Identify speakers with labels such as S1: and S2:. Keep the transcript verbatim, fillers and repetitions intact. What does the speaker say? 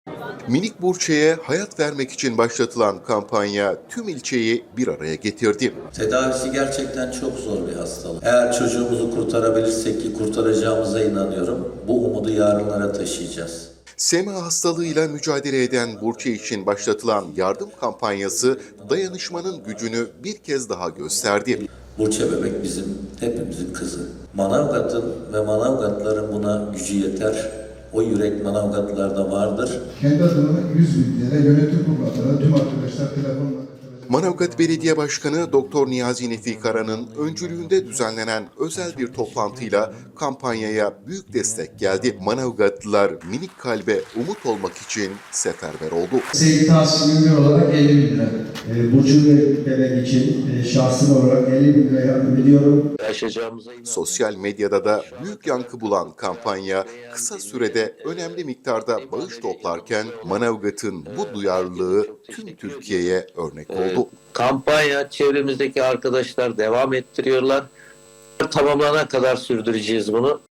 S1: Minik Burçe'ye hayat vermek için başlatılan kampanya tüm ilçeyi bir araya getirdi.
S2: Tedavisi gerçekten çok zor bir hastalık. Eğer çocuğumuzu kurtarabilirsek ki kurtaracağımıza inanıyorum, bu umudu yarınlara taşıyacağız.
S1: S E M A hastalığıyla mücadele eden Burçe için başlatılan yardım kampanyası dayanışmanın gücünü bir kez daha gösterdi.
S2: Burçe bebek bizim, hepimizin kızı. Manavgat'ın ve Manavgatların buna gücü yeter. O yürek Manavgatlılarda vardır.
S3: Kendi adıma yüz bin lira yönetim kurulu adına tüm arkadaşlar telefonla katılacak.
S1: Manavgat Belediye Başkanı Doktor Niyazi Nefi Kara'nın öncülüğünde düzenlenen özel bir toplantıyla kampanyaya büyük destek geldi. Manavgatlılar minik kalbe umut olmak için seferber oldu.
S4: Sevgi Tahsin Ünlü olarak elli bin lira. E, Burcu ve Bebek için e, şahsım olarak elli bin lira yardım ediyorum.
S1: Sosyal medyada da büyük yankı bulan kampanya kısa sürede önemli miktarda bağış toplarken Manavgat'ın bu duyarlılığı tüm Türkiye'ye örnek oldu.
S5: Kampanya çevremizdeki arkadaşlar devam ettiriyorlar. Tamamlanana kadar sürdüreceğiz bunu.